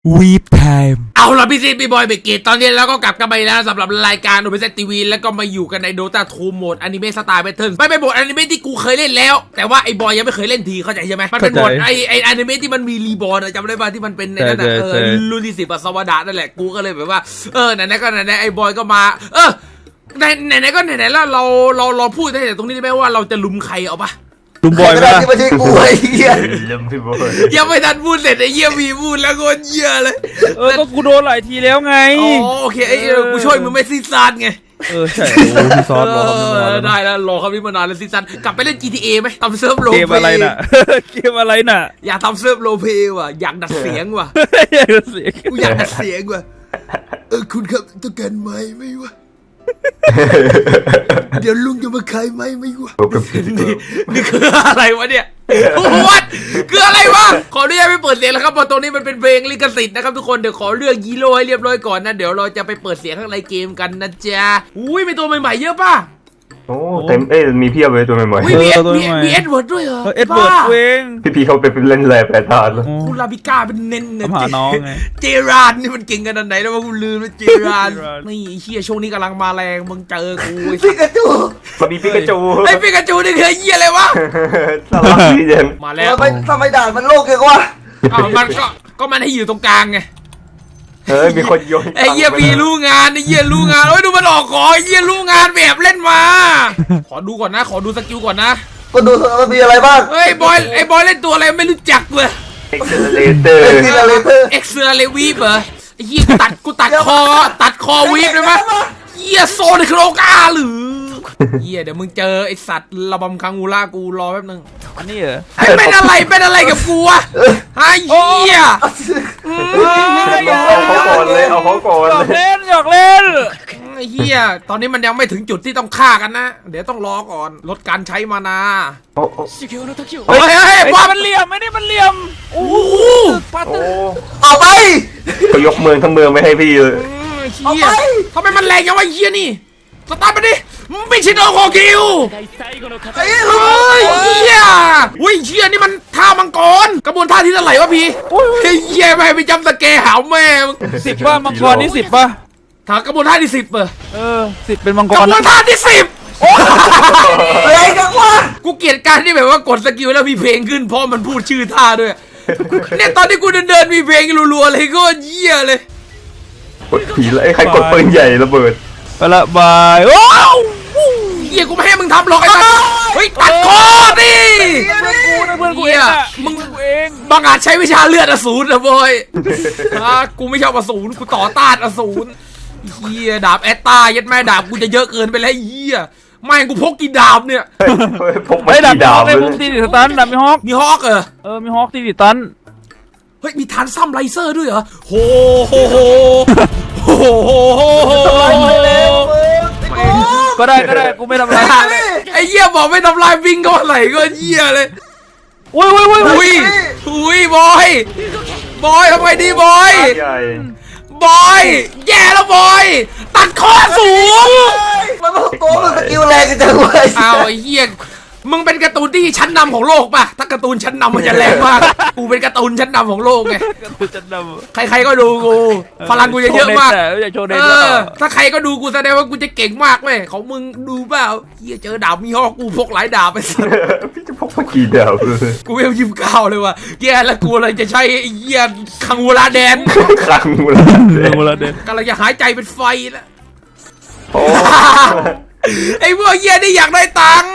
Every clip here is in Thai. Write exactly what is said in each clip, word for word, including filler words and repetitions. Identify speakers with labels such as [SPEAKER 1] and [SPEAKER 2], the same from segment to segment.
[SPEAKER 1] วีบไทม์
[SPEAKER 2] เอาล่ะพี่ซีพี่บอยเบเกตตอนนี้เราก็กลับกันไปแล้วสำหรับรายการโอเปเซตทีวีแล้วก็มาอยู่กันในโดตาทูโหมดอนิเมะสไตล์แพทเทิร์นไม่เป็นโหมดอนิเมะที่กูเคยเล่นแล้วแต่ว่าไอ้บอยยังไม่เคยเล่นทีเข้าใจใช่ไหมมันเป็นโหมดไอ้ไอ้อนิเมะที่มันมีรีบอร์นจำได้ป่ะที่มันเป็นในนั้นเออลูนิสิบสวดานั่นแหละกูก็เลยแบบว่าเออไหนๆก็ไหนๆไอ้บอยก็มาเออไหนไหนๆก็ไหนๆแล้วเราเราเราพูดได้แต่ตรงนี้ได้ไหมว่าเราจะลุมใครเอาปะ
[SPEAKER 1] ลุมบอยไหมล่ะ
[SPEAKER 3] ไม่ใช่กูไอ้เหี้ย
[SPEAKER 4] ลืมพี่บอย
[SPEAKER 2] ยังไม่ทันพูดเสร็จไอ้เหี้ยมีพูดแล้วก็เหี้ยเลย
[SPEAKER 1] เออก็กูโดนหลายทีแล้วไง
[SPEAKER 2] อ๋อโอเคไอ้กูช่วยมึงไม่ซีซานไง
[SPEAKER 1] เออใช่โอ้พี่ซอนรอคำนี้มานาน
[SPEAKER 2] ได้แล้วรอคำนี้มานานแล้วซีซันกลับไปเล่น จี ที เอ ไหมทำเซิร์ฟโรล
[SPEAKER 1] เกมอะไรน่ะเกมอะไรน่ะ
[SPEAKER 2] อยากทำเซิร์ฟโรลเพลย์ว่ะอยากดัดเสียงว่ะ
[SPEAKER 1] อยากดัดเสียง
[SPEAKER 2] กูอยากดัดเสียงว่ะเออคุณครับต้องการไม้ไหมวะเดี๋ยวลุงจะมาขายไม้ไหมวะนี่นี่คืออะไรวะเนี่ยวัดคืออะไรวะขออนุญาตไม่เปิดเสียงแล้วครับเพราะตรงนี้มันเป็นเพลงลิขสิทธิ์นะครับทุกคนเดี๋ยวขอเลือกยีโร่ให้เรียบร้อยก่อนนะเดี๋ยวเราจะไปเปิดเสียงข้างในเกมกันนะจ๊ะอุ้ยมีตัวใหม่ๆเยอะป่ะ
[SPEAKER 4] โอ้เต็มเอ้ยมีเพียบเลยตัวใหม่ๆ
[SPEAKER 2] มีมีมีเอ็ดเวิร์ดด้วยเหรอ
[SPEAKER 1] เอ็ดเวิร์ดเวง
[SPEAKER 4] พี่พีเขาไปเล่นแร่แปรธาตุแล้ว
[SPEAKER 2] คุณลาบิก้าเป็นเน้น
[SPEAKER 1] เนี่ยหาน้องไง
[SPEAKER 2] เจรานนี่มันเก่งขนาดไหนแล้วว่ากูลืมแล้วเจรานนี่เฮียช่วงนี้กำลังมาแรงมึงเจอกู
[SPEAKER 3] ปิกาจู
[SPEAKER 4] มันมีปิกาจู
[SPEAKER 2] ไอ้ปิกาจูนี่คือเฮียอะไรวะ
[SPEAKER 4] สลับซีเจน
[SPEAKER 2] มาแล้ว
[SPEAKER 3] ทำไมทำไมด่านมันโลกเกวะ
[SPEAKER 2] อ้าวมันก็ก็มันให้อยู่ตรงกลางไง
[SPEAKER 4] เฮ้ยมีคนโยน
[SPEAKER 2] ไอ้เหี้ยมีรู้งานไอ้เหี้ยรู้งานโอ้ยดูมันออกขอไอ้เหี้ยรู้งานแบบเล่นมาขอดูก่อนนะขอดูสกิลก่อนนะ
[SPEAKER 3] ก็ดูมันมีอะไรบ้าง
[SPEAKER 2] เฮ้ยบอยไอ้บอยเล่นตัวอะไรไม่รู้จักเลย
[SPEAKER 4] เอ็กเซเลเตอร์
[SPEAKER 3] เอ็กเซเลเตอร์
[SPEAKER 2] เอ็กเซเลวีฟเหรอไอ้เหี้ยกูตัดกูตัดคอตัดคอวีฟเลยมั้ยเหี้ยโซนโครกาหรือเหี้ยเดี๋ยวมึงเจอไอ้สัตว์ระบำคังอูล่ากูรอแป๊บนึง
[SPEAKER 1] อันนี้เหรอ
[SPEAKER 2] เป็นอะไรเป็นอะไรกับกูอะไอ้เหี้ย
[SPEAKER 4] เอาเขาก่อนเลยเอาเขาก่อน
[SPEAKER 1] หยอกเล่นหยอกเล่น
[SPEAKER 2] ไอ้เหี้ยตอนนี้มันยังไม่ถึงจุดที่ต้องฆ่ากันนะเดี๋ยวต้องรอก่อนลดการใช้มานา
[SPEAKER 1] เฮ้ยเฮ้ยว่ามันเหลี่ยมไม่ได้มันเหลี่ยมโอ้โห
[SPEAKER 3] เอาไป
[SPEAKER 4] เขายกเมืองทั้งเมืองไม่ให้พี่เลย
[SPEAKER 2] เหี้ยทำไมมันแรงยังวะเหี้ยนี่สตาร์ทมาดิไม่ใช่โดโคคิว
[SPEAKER 3] ไอ้
[SPEAKER 2] เฮ้ยเหี้ยอุ้ยเหี้ยนี่มันท่ามังกรกระบวนท่าที่เท่าไหร่วะพี่เฮ้ยเหี้ยไม่ไปจำสเกหาวแม่
[SPEAKER 1] สิบป่ะมังกรนี่สิบป่ะ
[SPEAKER 2] ถ้ากระบวนท่าที่สิบเออ
[SPEAKER 1] เออสิบเป็นมังกร
[SPEAKER 2] กระบวนท่าที่สิบ
[SPEAKER 3] อะไรกันวะ
[SPEAKER 2] กูเกลียดการที่แบบว่ากดสกิลแล้วมีเพลงขึ้นเพราะมันพูดชื่อท่าด้วยเนี่ยตอนที่กูเดินเดินมีเพลงรัวๆเลยก็เหี้ยเลย
[SPEAKER 4] กดผีแล้วไอ้ใครกดปืนใหญ่ระเบิด
[SPEAKER 1] ไปละบายโอ้
[SPEAKER 2] เหี้ยกูไม่ให้มึงทำหรอกไอ้สัสเฮ้ยตัดคอดิ
[SPEAKER 1] เพื่อนกูนะเพื่อนกูเองมึงเอง
[SPEAKER 2] บางอาจใช้วิชาเลือดอสูรนะบอยฮะกูไม่ชอบอสูรกูต่อต้านอสูรเหี้ยดาบแอตตายัดแม่ดาบกูจะเยอะเกินไปแล้วเหี้ยไม่กูพกกี่ดาบเนี่ย
[SPEAKER 4] พกไม่ดาบ
[SPEAKER 1] ดาบเลยพกตีดิสตันดาบมีฮอก
[SPEAKER 2] มีฮอกเออ
[SPEAKER 1] เออมีฮอกตีดิสตัน
[SPEAKER 2] เฮ้ยมีทันซัมไลเซอร์ด้วยเหรอโหโหโหโห
[SPEAKER 1] ก็ได้ก็ได้กูไม่ทำลาย
[SPEAKER 2] ไอ้เหี้ยบอกไม่ทำลายวิ่งก็ไหลก็เหี้ยเลย
[SPEAKER 1] อุ้ยอุ้ยอุ้ย
[SPEAKER 2] อุ้ยอุ้ยบอยบอยทำไมดีบอยบอยแย่แล้วบอยตัดคอสูง
[SPEAKER 3] มันมันโกงมันสกิลแรงจังเว้ย
[SPEAKER 2] อ้าวไอ้เหี้ยมึงเป็นการ์ตูนที่ชั้นนำของโลกป่ะถ้าการ์ตูนชั้นนำมันจะแรงมากกูเป็นการ์ตูนชั้นนำของโลกไง
[SPEAKER 1] การ์ตูนชั้นน
[SPEAKER 2] ำใครๆก็ดูกูพลังกูจะเยอะมาก
[SPEAKER 1] เอ
[SPEAKER 2] อถ้าใครก็ดูกูแสดงว่ากูจะเก่งมากเว้ยของมึงดูเปล่าเฮียเจอดาบมีฮอกกูพกหลายดาบไปสิ
[SPEAKER 4] พี่จะพกมากี่ดาบเลย
[SPEAKER 2] กูไม่ยิ้มก้าวเลยว่ะแย่แล้วกูเลยจะใช้เฮียคังวูลาแดน
[SPEAKER 4] คังวูลาแดน
[SPEAKER 1] วูลาแดน
[SPEAKER 2] กำลังจะหายใจเป็นไฟแล้วไอ้พวกเฮียนี่อยากได้ตังค์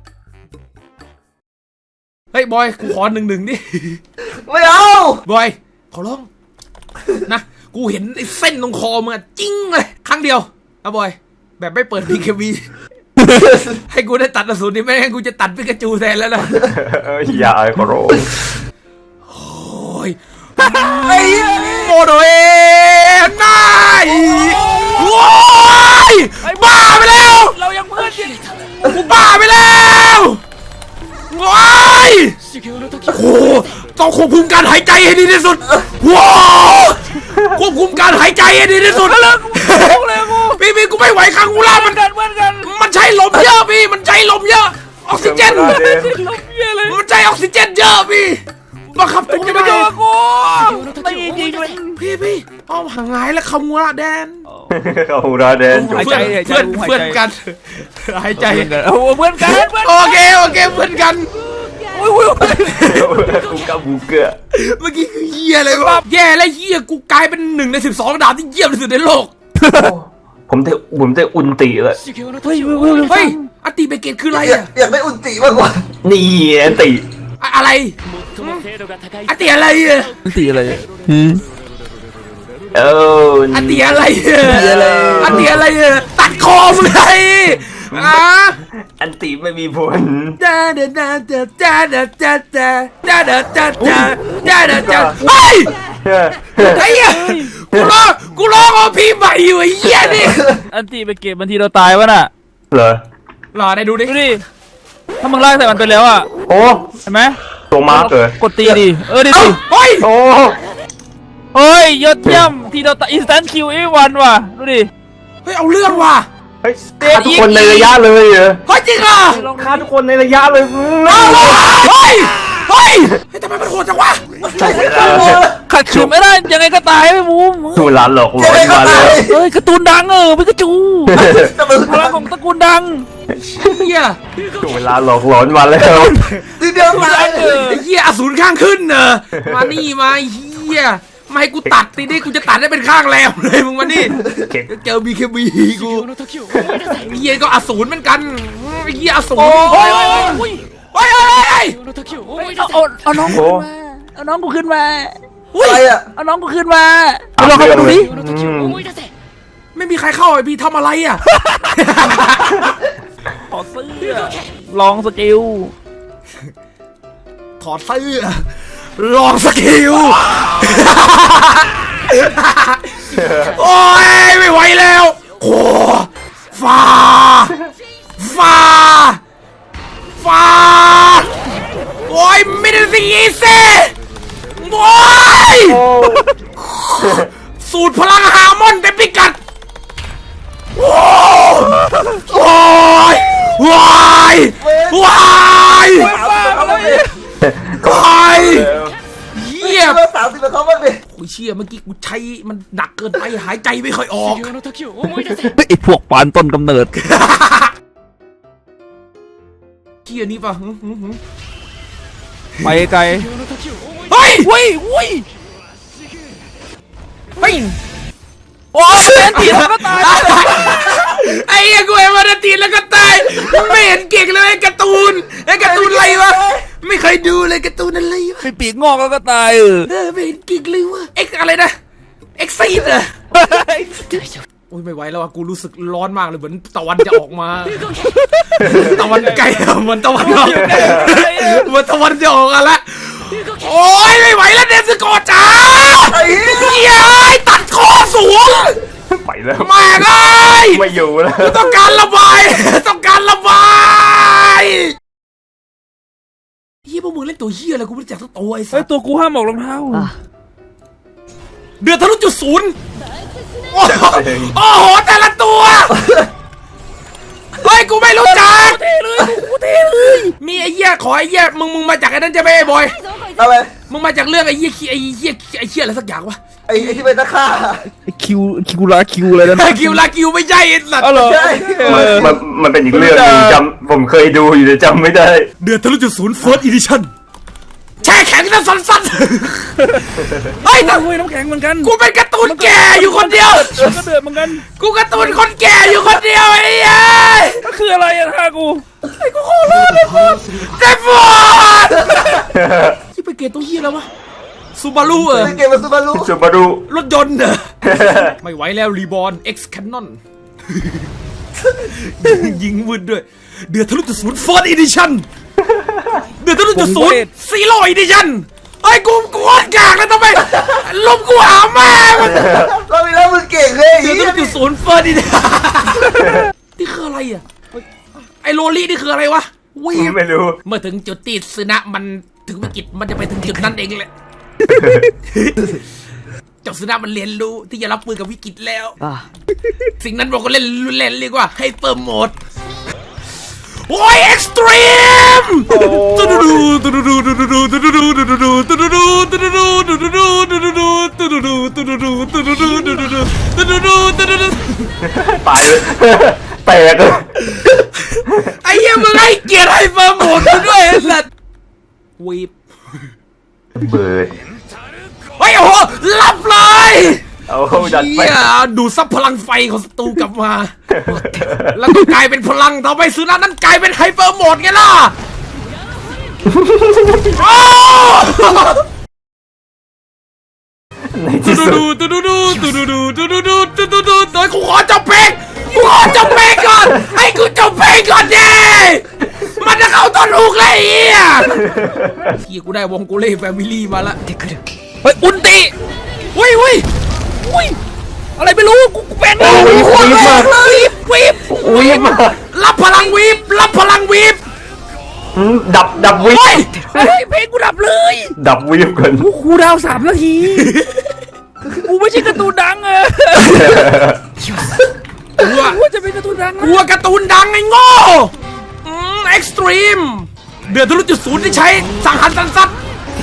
[SPEAKER 2] เฮ้ยบอยกูขอหนึ่งหนึ่งดิ
[SPEAKER 3] ไม่เอา
[SPEAKER 2] บอยขอร้องนะกูเห็นไอ้เส้นตรงคอมึงจริงเลยครั้งเดียวนะบอยแบบไม่เปิดพีเคบีให้กูได้ตัดอสูรนี่ไม่งั้นกูจะตัดปิกาจูแทนแล้วนะ
[SPEAKER 4] อย่าขอร้อง
[SPEAKER 2] โอ้ยไอ้โมโดเอไนว้ายบ้าไปแล้ว
[SPEAKER 1] เรายังเพื่อน
[SPEAKER 2] กูบ้าไปแล้วว้ายโอ้ต้องควบคุมการหายใจให้ดีที่สุดว้าวควบคุมการหายใจให้ดีที่สุด
[SPEAKER 1] แล้ว
[SPEAKER 2] พี่พี่กูไม่ไหวคังกูล่ามัน
[SPEAKER 1] กันเหมือนกัน
[SPEAKER 2] มันใช้ลมเยอะพี่มันใช้ลมเยอะออกซิเจนมันใช้ออกซิเจนเยอะพี่บังคับกู
[SPEAKER 1] จะไม่โดนกูตีจริงเลย
[SPEAKER 2] พี่พี่เอาหางายแล้วคำว่าแดน
[SPEAKER 4] เขาราแดนจบ
[SPEAKER 1] หาย
[SPEAKER 2] เพื่
[SPEAKER 1] ใจ
[SPEAKER 2] อน
[SPEAKER 1] หายใจ
[SPEAKER 2] เพื่อน
[SPEAKER 1] หายใจ
[SPEAKER 2] เพื่อนกันหายใจ
[SPEAKER 1] โอ้เพื่อนกันเพื่อน
[SPEAKER 2] โอเคโอเคเพื่อนกัน
[SPEAKER 1] อุ้ยอุ้ย
[SPEAKER 4] กูกับบูเกอร์
[SPEAKER 2] เมื่อกี้คือเหี้ยอะไรวะแย่และเหี้ยกูกลายเป็นหนึ่งในสิบสองดาวที่เยี่ยมที่สุดในโลก
[SPEAKER 4] ผมจะผมจะอุนติเลย
[SPEAKER 1] เฮ้ยเฮ้ย
[SPEAKER 2] เฮ้ยอติเบเกตคืออะไร
[SPEAKER 3] อยาก
[SPEAKER 2] อะ
[SPEAKER 3] อยากได้อุนติมากกว่า
[SPEAKER 4] นี่แอนติ
[SPEAKER 2] อะอะไรอติอะไรอะ
[SPEAKER 1] มันตีอะไร
[SPEAKER 4] เออ
[SPEAKER 2] อติอะไรอะอติอะไรอะตัดคอมึงเลยอ่ะ
[SPEAKER 4] อันติไม่มีผล
[SPEAKER 2] ดาดาดาดาดาดาดาดาดาดาดาดาดาดาดาเฮ้ยไอ้เหี้ยกูร้องกูร้องเอาพี่ใหม่อยู่ไอ้เหี้ยนี่
[SPEAKER 1] อันตีไปเก็บบางทีเราตายวะน่ะ
[SPEAKER 4] เหรอ
[SPEAKER 2] รอได้ดูดิ
[SPEAKER 1] ดูดิถ้ามึงลากใส่มันไปแล้วอ่ะ
[SPEAKER 4] โอ้
[SPEAKER 1] เห็นไหม
[SPEAKER 4] ตัวมาร์กเลย
[SPEAKER 1] กดตีดิเออดิ
[SPEAKER 2] เอ้า
[SPEAKER 1] สิ
[SPEAKER 2] เฮ้ย
[SPEAKER 4] โอ้
[SPEAKER 1] เฮ้ยยอดเยี่ยมทีเราตาอินสแตนคิวอีวันว่ะดูดิ
[SPEAKER 2] เฮ้ยเอาเรื่องว่ะ
[SPEAKER 4] เฮ้ยฆ่าทุกคนในระยะเลยเหรอ
[SPEAKER 2] เฮ้ยจริงอ่ะ
[SPEAKER 4] ฆ่าทุกคนในระยะเลย
[SPEAKER 2] เอาว่ะเฮ้ยเฮ้ยเฮ้ยทำไมมันโหดจังวะ
[SPEAKER 3] ใช่ใช่ใช่
[SPEAKER 1] ขัดขืนไม่ได้ยังไงก็ตายไม่มูม
[SPEAKER 4] ถูกหลานหลอกหล
[SPEAKER 3] ยั
[SPEAKER 4] อง น
[SPEAKER 3] ไงก็
[SPEAKER 4] มาเล
[SPEAKER 3] ตาย
[SPEAKER 4] ย
[SPEAKER 1] เฮ้ยการ์ตูนดังเออพิกาจู
[SPEAKER 3] แต่มึง
[SPEAKER 1] พลังของตระกูลดัง
[SPEAKER 2] เฮีย
[SPEAKER 4] ถูกเวลาหลอกหลอนมาแล้ว
[SPEAKER 3] ทีเดียวตาย
[SPEAKER 1] เออ
[SPEAKER 2] ไอ้เฮียอสูรข้างขึ้นเนอะมานี่มาไอ้เฮียมาให้กูตัดทีนี้กูจะตัดได้เป็นข้างแล้วเลยมึงมานี่
[SPEAKER 4] เก็บ
[SPEAKER 2] เจอบีเคบีกูไอ้เฮียก็อสูรเหมือนกันไอ้เฮียอสูร
[SPEAKER 1] โอ้ย
[SPEAKER 2] โอ้ยโอ้ยโอ้ยโอ้ย
[SPEAKER 1] เอาเอาเอาน้องกูขึ้นมาเอาน้องกูขึ้นมา
[SPEAKER 3] อะไรอ่ะ
[SPEAKER 1] เอาน้องกูขึ้นมาเอาลองเข้ามาดูดิ
[SPEAKER 2] ไม่มีใครเข้าไอ้พี่ทำอะไรอ่ะ
[SPEAKER 1] ถอดเสื้อลองสกิล
[SPEAKER 2] ถอดเสื้อลองสกิล โอ้ยไม่ไหวแล้วโอ้ฟ้าฟ้าฟ้าโอ้ยไม่ได้สิอีเซ่โอ้ยสูตรพลังฮาร์มอนเต็มพิกัดโอ้โอ้ยวายวาย
[SPEAKER 3] เอาไป
[SPEAKER 2] วายเยี่ยม
[SPEAKER 3] เมื่อสามสิบแล้วเขาบ้างดิ
[SPEAKER 2] โอ้ยเชี่ยเมื่อกี้กูใช้มันหนักเกินไปหายใจไม่ค่อยออก
[SPEAKER 1] ไอพวกปานต้นกำเนิด
[SPEAKER 2] เชี่ยนี่ป่ะหึหึหึ
[SPEAKER 1] ไปไกล
[SPEAKER 2] เฮ้ย
[SPEAKER 1] เว้ยเว้ย
[SPEAKER 2] เฮ้ย
[SPEAKER 1] โอ้ยเป็นผีแล้วก็ตาย
[SPEAKER 2] ไอ้เหี้ยกูเห็นวันตีนแล้วก็ตายไม่เห็นเก่งเลยไอ้การ์ตูนไอ้การ์ตูนอะไรวะไม่เคยดูเลยการ์ตูนอะไรวะ
[SPEAKER 1] เป็นปีกงอกแล้วก็ตายเออ
[SPEAKER 2] เออไม่เห็นเก่งเลยวะเอ็กอะไรนะเอ็กซีดอะโอ้ยไม่ไหวแล้วอะกูรู้สึกร้อนมากเลยเหมือนตะวันจะออกมา ตะวันใกล้อะเหมือนตะวันออกเหมือนตะวันจะออกกันละโอ้ยไม่ไหวแล้วเนสโกจ้า
[SPEAKER 3] ไอ้
[SPEAKER 2] เฮียตัดคอสูง
[SPEAKER 4] ไปแล้ว
[SPEAKER 2] แม่งเอ้ย
[SPEAKER 4] ไม่อยู่แล้ว
[SPEAKER 2] กูต้องการระบายต้องการระบายเฮียพวกมึงเล่นตัวเฮียอะไรกูไม่รู้จักสักตัวไอ้สั
[SPEAKER 1] เฮ้ย
[SPEAKER 2] ส
[SPEAKER 1] ตัวกูห้ามออกรองเท้า
[SPEAKER 2] เดือดทะลุจุดศูนย์โอ้โหโอ้โหแต่ละตัวเฮ้ยกูไม่รู้จัก
[SPEAKER 1] เทเลยกูเทเลย
[SPEAKER 2] มีไอ้เหี้ยขอไอ้เหี้ยมึงมึงมาจากไอ้นั่นจะไม่ไอ้บอย
[SPEAKER 3] อะไร
[SPEAKER 2] มึงมาจากเรื่องไอ้เหี้ยไอ้เหี้ยไอ้เหี้ยอะไรสักอย่างวะ
[SPEAKER 3] ไอ้ไอ้ที่เป็นนักฆ่า
[SPEAKER 1] คิวคิวลาคิวอะไรนั่น
[SPEAKER 2] ไอ้คิวลาคิวไม่ใช่ไอ้สัตว์
[SPEAKER 1] อ๋อเหรอ
[SPEAKER 3] ใช่
[SPEAKER 4] มันมันมันเป็นอีกเรื่องหนึงจำผมเคยดูอยู่แต่จำไม่ได้
[SPEAKER 2] เดือดทะลุจุดศูนย์ First Edition แช่แข็งนะสันๆเฮ้ยแต่
[SPEAKER 1] เฮ้ยน้ำแข็งเหมือนกัน
[SPEAKER 2] กูเป็นการ์ตูนแก่อยู่คนเดียว
[SPEAKER 1] มันก็เดือดเหมือนกัน
[SPEAKER 2] กูการ์ตูนคนแก่อยู่คนเดียวไอ้เหี้ย
[SPEAKER 1] ก็คืออะไรอะท่ากู
[SPEAKER 2] ไอ้กูโคตรรอดเลยพอดเดฟอร์ดที่ไปเกตตัวเหี้ยแล้ววะซูบารุเออ
[SPEAKER 3] เล่นเกมมาซูบารุ
[SPEAKER 4] สุบารุ
[SPEAKER 2] รถยนต์เหรอ ไม่ไหวแล้วรีบอร์น X Cannon ยิงวืดด้วย เดือดทะลุจุดศูนย์ First Edition เดือดทะลุจุดศูนย์ Zero Edition ไอ้ยกูกูโคตรกากเลยทำไมลบกูหาแม่มัน
[SPEAKER 3] เรามีแล้วมึงเก่งเลย
[SPEAKER 2] เดือดทะลุจุดศูนย์ First Edition นี่คืออะไรอ่ะไอ้โรลี่นี่คืออะไรวะวีบ
[SPEAKER 4] ไม่รู้
[SPEAKER 2] เมื่อถึงจุดที่ซึนะมันถึงวิกฤตมันจะไปถึงจุดนั้นเองแหละ เจ้าซึนะมันเรียนรู้ที่จะรับมือกับวิกฤตแล้ว สิ่งนั้นบอกก็เล่นรุนแรงเรียกว่าให้เปิมโหมดโอ้ยเอ็กซ์ตรีมตูดูดูตูดูดูตูดูดูตูดูดูตูดูดูตูดูดูตูดูดูตูดูดูตูดูดูตูดูดูตูดูดูตูดูดูตูดูดูตูดูดู
[SPEAKER 4] ตายเลยแตกเลย
[SPEAKER 2] ไอ้เหี้ยมึงให้เกียรติให้เฟิร์มโหมดกูด้วยไอ้สัตว์วีบ
[SPEAKER 4] เบิร์ด
[SPEAKER 2] เฮ้ยโอ้โหรับเลย
[SPEAKER 4] เอาดันไป
[SPEAKER 2] เหี้ยดูดซับพลังไฟของศัตรูกลับมา แล้วก็กลายเป็นพลังต่อไปซื้อนั้นนั้นกลายเป็นไฮเปอร์โหมดไงล่ะโอ้
[SPEAKER 4] ใน
[SPEAKER 2] ตู
[SPEAKER 4] ที่สุด
[SPEAKER 2] ดูตูดูดูตูดูดูตูดูดูตูดูดูเดี๋ยวกูขอจบเพลงกูขอจบเพลงก่อนให้กูจบเพลงก่อนดิมันจะเข้าต้นหูกเลยไอ้เหี้ยเฮียกูได้วงโกเล่แฟมิลี่มาละเฮ้ยอุนติอุ้ยอุ้ยอุ้ยอะไรไม่รู้กูกูเป็น
[SPEAKER 4] โอ้ยวีบมาก
[SPEAKER 2] วีบวีบ
[SPEAKER 4] วีบมาก
[SPEAKER 2] รับพลังวีบรับพลังวีบ
[SPEAKER 4] อืมดับดับวีบ
[SPEAKER 2] เฮ้ยเฮ้ยเพลงกูดับเลย
[SPEAKER 4] ดับวีบก่อน
[SPEAKER 1] กูคูลดาวน์สามนาทีกูไม่ใช่การ์ตูนดังเออ
[SPEAKER 2] กูว่า
[SPEAKER 1] กูจะเป็นการ์ตูนดัง
[SPEAKER 2] กลัวการ์ตูนดังไอ้โง่อืมเอ็กซ์ตรีมเดือดทะลุจุดศูนย์ที่ใช้สังหารสันสัตว์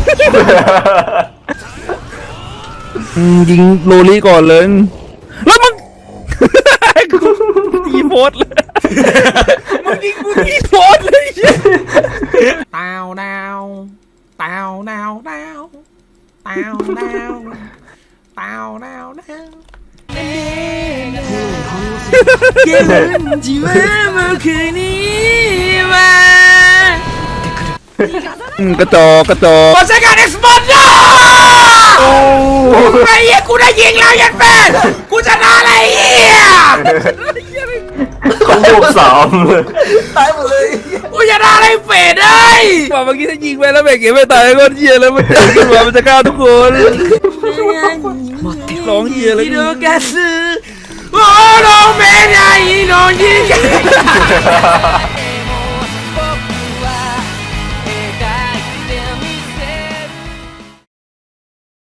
[SPEAKER 1] ยิงโรลี่ก่อนเลยแล้วมึงกูตีโพสเลยมึงยิงกูตีโพสเลย
[SPEAKER 2] ตาวดาวตาวดาวดาวตาวดาวตาวดาวดาวเย็นที่ว่าเมื่อคืนนี้มา
[SPEAKER 1] กระจอกกระจอก
[SPEAKER 2] บอสใช้การเอ็กซ์บอลนะไอ้เหี้ยกูได้ยิงแล้วยันแฟนกูชนะอะไรเหี้ย
[SPEAKER 4] ของบวกสาม
[SPEAKER 3] ตายหมดเลย
[SPEAKER 2] กูชนะอะไรเฟดเอ้ย
[SPEAKER 1] ว่าเมื่อกี้ถ้ายิงไปแล้วแบกเก็บไม่ตายก็เหี้ยแล้วมันจะขึ้นมามันจะฆ่าทุกคนร้องเหี้ยเลย
[SPEAKER 2] ฮิโดกาซึโอ้โนเมะไนโนยิง